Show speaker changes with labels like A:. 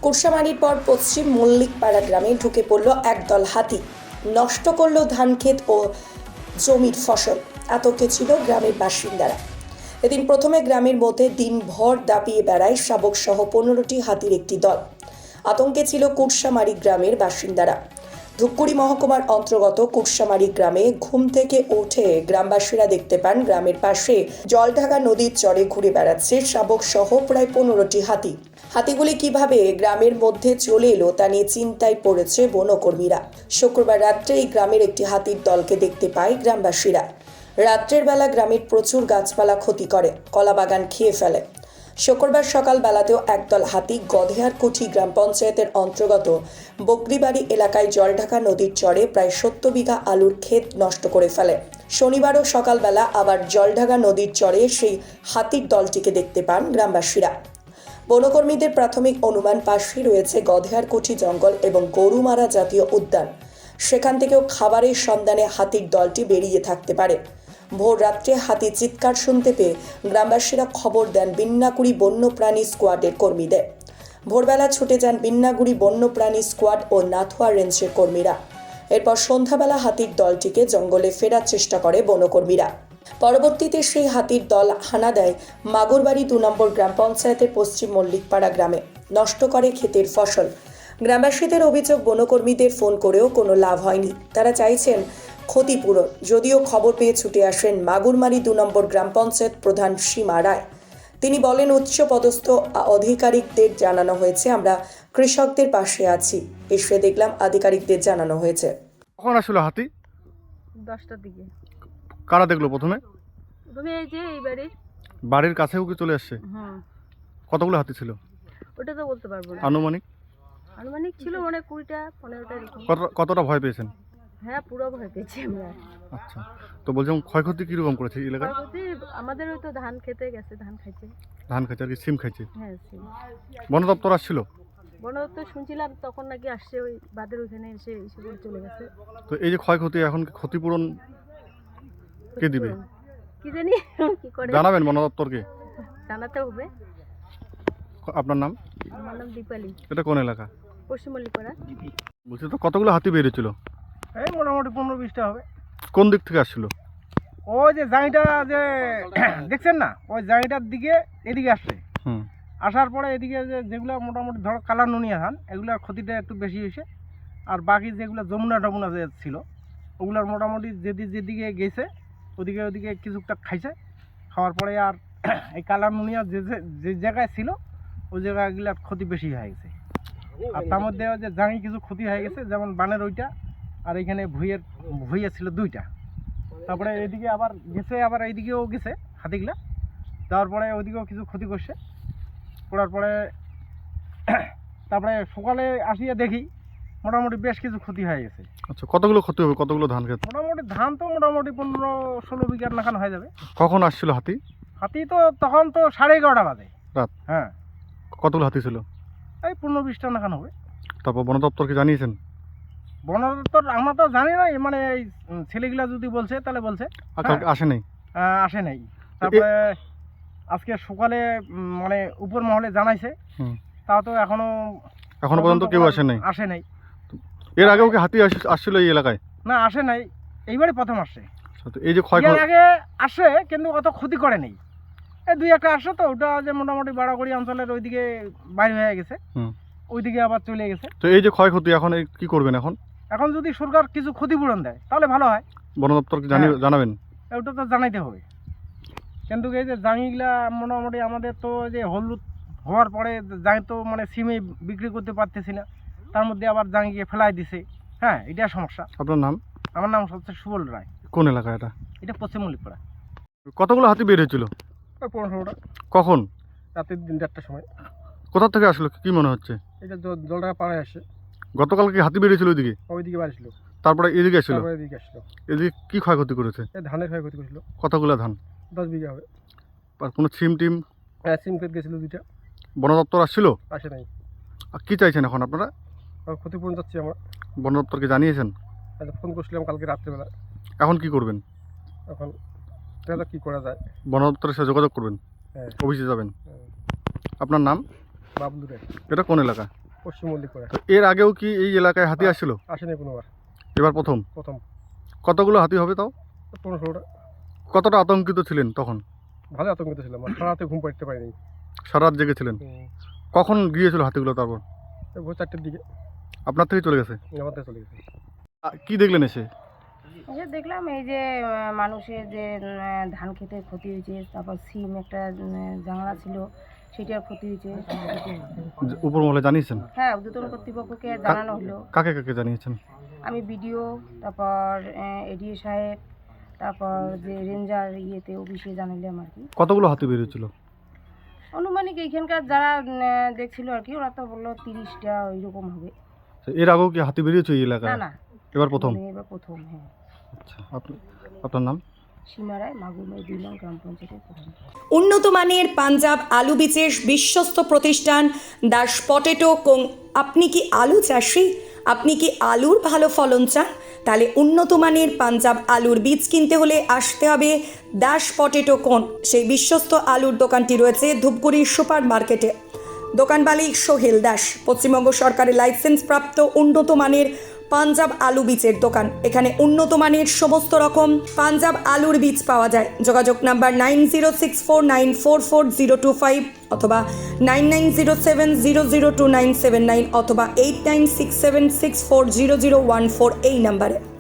A: কুরসামারির পর পশ্চিম মল্লিকপাড়া গ্রামে ঢুকে পড়ল একদল হাতি। নষ্ট করল ধান ক্ষেত ও জমির ফসল। আতঙ্কে ছিল গ্রামের বাসিন্দারা। এদিন প্রথমে গ্রামের মধ্যে দিনভর দাপিয়ে বেড়ায় শাবক সহ 15টি হাতির একটি দল। আতঙ্কে ছিল কুরসামারি গ্রামের বাসিন্দারা। ধূপগুড়ি মহকুমার অন্তর্গত কুরসামারি গ্রামে ঘুম থেকে উঠে গ্রামবাসীরা দেখতে পান গ্রামের পাশে জলঢাকা নদীর চরে ঘুরে বেড়াচ্ছে শাবক সহ প্রায় 15টি হাতি। হাতিগুলি কিভাবে গ্রামের মধ্যে চলে এলো তা নিয়ে চিন্তায় পড়েছে বনকর্মীরা। শুক্রবার রাত্রে এই গ্রামের একটি হাতির দলকে দেখতে পায় গ্রামবাসীরা। রাত্রের বেলা গ্রামের প্রচুর গাছপালা ক্ষতি করে, কলাবাগান খেয়ে ফেলে। শুক্রবার সকালবেলাতেও একদল হাতি গধেয়ারকুঠি গ্রাম পঞ্চায়েতের অন্তর্গত বকরিবাড়ি এলাকায় জলঢাকা নদীর চরে প্রায় 70 বিঘা আলুর ক্ষেত নষ্ট করে ফেলে। শনিবারও সকালবেলা আবার জলঢাকা নদীর চরে সেই হাতির দলটিকে দেখতে পান গ্রামবাসীরা। বনকর্মীদের প্রাথমিক অনুমান পাশেই রয়েছে গধেয়ারকুঠি জঙ্গল এবং গরুমারা জাতীয় উদ্যান। সেখান থেকেও খাবারের সন্ধানে হাতির দলটি বেরিয়ে থাকতে পারে। ভোর রাত্রে হাতির চিৎকার শুনতে পেয়ে গ্রামবাসীরা খবর দেন বিন্নাগুড়ি বন্যপ্রাণী স্কোয়াডের কর্মীদের। ভোরবেলা ছুটে যান বিন্নাগুড়ি বন্যপ্রাণী স্কোয়াড ও নাথুয়া রেঞ্জের কর্মীরা। এরপর সন্ধ্যাবেলা হাতির দলটিকে জঙ্গলে ফেরার চেষ্টা করে বনকর্মীরা। পরবর্তীতে সেই হাতির দল হানা দেয় মাগুরবাড়ি 2 নম্বর গ্রাম পঞ্চায়েতের পশ্চিম মল্লিকপাড়া গ্রামে, নষ্ট করে ক্ষেতের ফসল। গ্রামবাসীদের অভিযোগ, বনকর্মীদের ফোন করেও কোনো লাভ হয়নি। তারা চাইছেন ক্ষতিপূরণ। যদিও খবর পেয়ে ছুটে আসেন মাগুরমারি 2 নম্বর গ্রাম পঞ্চায়েত প্রধান সীমা রায়। তিনি বলেন, উচ্চপদস্থ আধিকারিকদের জানানো হয়েছে, আমরা কৃষকদের পাশে আছি। এসে দেখলাম আধিকারিকদের জানানো হয়েছে।
B: কখন আসলো হাতি?
C: 10টার দিকে।
B: কারা দেখলো প্রথমে?
C: এই যে এই
B: বাড়ির কাছেও কি চলে আসছে?
C: হ্যাঁ।
B: কতগুলো হাতি ছিল
C: ওটা তো বলতে পারবো না।
B: আনুমানিক?
C: আনুমানিক ছিল মানে 20টা 15টা এরকম।
B: কতটা ভয় পেয়েছেন?
C: হ্যাঁ, পুরো ভয় পেয়েছি আমরা।
B: আচ্ছা, তো বলছিলাম ক্ষয়ক্ষতি কিরকম করেছে এলাকায়?
C: ক্ষয়ক্ষতি আমাদের ওই তো ধান খেতে গেছে, ধান খাইছে।
B: ধান খাইছে আর কি সিম খাইছে?
C: হ্যাঁ, সিম।
B: বন দপ্তর আসছিল?
C: বন দপ্তর শুনছিলাম তখন নাকি আসছে, ওই বাদের ওইখানে এসে করে চলে গেছে।
B: তো এই যে ক্ষয়ক্ষতি, এখন কি ক্ষতিপূরণ কে দিবে?
C: কি জানি কি করে
B: জানাবেন বন দপ্তরকে?
C: জানাতে হবে।
B: আপনার নাম?
C: আমার নাম দীপালি।
B: এটা কোন এলাকা?
C: পশ্চিম মল্লিকপাড়া।
B: বলছি তো কতগুলো হাতি বেরিয়েছিল?
D: এই মোটামুটি 15-20টা হবে।
B: কোন দিক থেকে আসছিল?
D: ওই যে জাঁইটা যে দেখছেন না, ওই জাঁইটার দিকে এদিকে আসছে। আসার পরে এদিকে যেগুলো মোটামুটি ধরো কালার নুনিয়া ধান, এগুলোর ক্ষতিটা একটু বেশি হয়েছে। আর বাকি যেগুলো যমুনা টমুনা যে ছিল, ওগুলোর মোটামুটি যেদিকে গেছে ওদিকে কিছুটা খাইছে। খাওয়ার পরে আর এই কালার নুনিয়া যে জায়গায় ছিল ওই জায়গাগুলোর ক্ষতি বেশি হয়ে গেছে। আর তার মধ্যে যে জাঁই কিছু ক্ষতি হয়ে গেছে, যেমন বানের ওইটা, আর এখানে ভুইয়া ছিল 2টা। তারপরে এদিকে আবার গেছে, আবার এইদিকেও গেছে হাতিগুলা। যাওয়ার পরে ওইদিকেও কিছু ক্ষতি করছে। করার পরে তারপরে সকালে আসিয়া দেখি মোটামুটি বেশ কিছু ক্ষতি হয়ে গেছে।
B: আচ্ছা, কতগুলো ক্ষতি হবে? কতগুলো ধান ক্ষেত?
D: মোটামুটি ধান তো মোটামুটি 15-16 বিঘার নাখান হয়ে যাবে।
B: কখন আসছিল হাতি?
D: হাতি তো তখন তো 11:30 বাজে
B: রাত।
D: হ্যাঁ।
B: কতগুলো হাতি ছিল?
D: এই 15-20টা নাখান হবে।
B: তারপর বন দপ্তরকে জানিয়েছেন?
D: বন দপ্তর আমরা তো জানি না, মানে এই ছেলেগুলা যদি বলছে তাহলে বলছে।
B: আসে নাই?
D: আসে নাই। তারপরে আজকে সকালে মানে উপর মহলে জানাইছে, তাও তো এখনো
B: পর্যন্ত কেউ আসে নাই? এর আগেও কি হাতি আসছিল এই এলাকায়?
D: না, আসে নাই, এইবারই প্রথম আসছে।
B: এই যে
D: এর আগে আসে কিন্তু অত ক্ষতি করে নেই। এই 2-1টা আসছে, তো ওটা যে মোটামুটি বাড়াগড়ি অঞ্চলের ওইদিকে বাইরে হয়ে গেছে, ওইদিকে আবার চলে গেছে।
B: তো এই যে ক্ষয়ক্ষতি, এখন কি করবেন?
D: এখন যদি সরকার কিছু ক্ষতিপূরণ দেয় তাহলে ভালো হয়।
B: বন দপ্তরকে জানাবেন?
D: ওটা তো জানাইতে হবে। কিন্তু এই যে জাঁইগুলা মোটামুটি আমাদের তো যে হলুদ হওয়ার পরে জাঁই তো মানে সিমে বিক্রি করতে পারতেছি না, তার মধ্যে আবার জাঁইকে ফেলাই দিছে। হ্যাঁ, এটা সমস্যা।
B: আপনার নাম?
D: আমার নাম হচ্ছে সুবল রায়।
B: কোন এলাকা এটা?
D: এটা পশ্চিম মল্লিকপাড়া।
B: কতগুলো হাতি বের হয়েছিল?
D: 15-16টা।
B: কখন?
D: রাতে 3-4টার সময়।
B: কোথা থেকে আসলো কি মনে হচ্ছে?
D: এটা জলটা পাড়ায় আসে।
B: গতকাল কি হাতি বেরিয়েছিল ওইদিকে?
D: ওইদিকে বাড়ি ছিল।
B: তারপরে এদিকে আসলো?
D: এদিকে আসলো।
B: এদিকে কি ক্ষয়ক্ষতি করেছে?
D: ধানের ক্ষয়ক্ষতি করেছিল।
B: কতগুলো ধান?
D: 10 বিঘা হবে।
B: আর কোনো টিম?
D: হ্যাঁ, সিম ক্ষেত গেছিল 2টা।
B: বন দপ্তর আসছিল?
D: আসে নাই।
B: আর কি চাইছেন এখন আপনারা?
D: ক্ষতিপূরণ যাচ্ছি আমরা।
B: বন দপ্তরকে জানিয়েছেন?
D: ফোন করছিলাম কালকে রাত্রেবেলা।
B: এখন কি করবেন?
D: এখন দেখা কি করা যায়।
B: বন দপ্তরের সাথে যোগাযোগ করবেন?
D: হ্যাঁ।
B: অফিসে যাবেন? আপনার নাম?
D: বাবলু রায়।
B: এটা কোন এলাকা?
D: পশ্চিম মল্লিকপাড়া।
B: তো এর আগেও কি এই এলাকায় হাতি আসছিল?
D: আসেনি কোনোবার,
B: এবার প্রথম। কতগুলো হাতি হবে তাও?
D: 15-16টা।
B: কতটা আতঙ্কিত ছিলেন তখন?
D: ভালো আতঙ্কিত ছিলাম, আর সারা রাতে ঘুম পাড়তে পারিনি।
B: সারা রাত জেগেছিলেন? কখন গিয়েছিল হাতিগুলো তারপর?
D: ভোর 4টের দিকে
B: আপনার থেকে চলে গেছে?
D: আমাদের চলে গেছে।
B: কি দেখলেন এসে?
C: দেখলাম এই যে মানুষের যে ধান খেতে ক্ষতি হয়েছে, তারপর সিম একটা জাংলা ছিল সেটার ক্ষতি হয়েছে।
B: উপর মহলে জানিয়েছেন?
C: হ্যাঁ, ঊর্ধ্বতন কর্তৃপক্ষকে জানানো হলো।
B: কাকে কাকে জানিয়েছেন?
C: আমি বিডিও, তারপর এডিও সাহেব, তারপর যে রেঞ্জার ইয়েতে অফিসে জানালাম আর কি।
B: কতগুলো হাতি বেরিয়েছিল?
C: আনুমানিক এইখানকার যারা দেখছিল আর কি, ওরা তো বললো 30টা ওইরকম হবে।
B: এর আগেও কি হাতি বেরিয়েছে এই
C: না
B: এলাকায়?
C: না,
B: এবার প্রথম?
C: এবার প্রথম। হ্যাঁ।
B: আচ্ছা, আপনার নাম?
C: সীমারায়, মাগুরমাই 2 নং গ্রাম পঞ্চায়েতের প্রধান।
A: উন্নত মানের পাঞ্জাব আলু বীজের বিশ্বস্ত প্রতিষ্ঠান দাস পটেটো কোং। আপনি কি আলু চাষি? আপনি কি আলুর ভালো ফলন চান? তাহলে উন্নত মানের পাঞ্জাব আলুর বীজ কিনতে হলে আসতে হবে দাস পটেটো কোন। সেই বিশ্বস্ত আলুর দোকানটি রয়েছে ধূপগুড়ি সুপার মার্কেটে। দোকান মালিক সোহেল দাস। পশ্চিমবঙ্গ সরকারের লাইসেন্স প্রাপ্ত উন্নত মানের পাঞ্জাব আলু বীজের দোকান। এখানে উন্নত মানের সমস্ত রকম পাঞ্জাব আলুর বীজ পাওয়া যায়। যোগাযোগ নাম্বার 9064944025 অথবা 9907002979 অথবা 8967640014 এই নাম্বারে।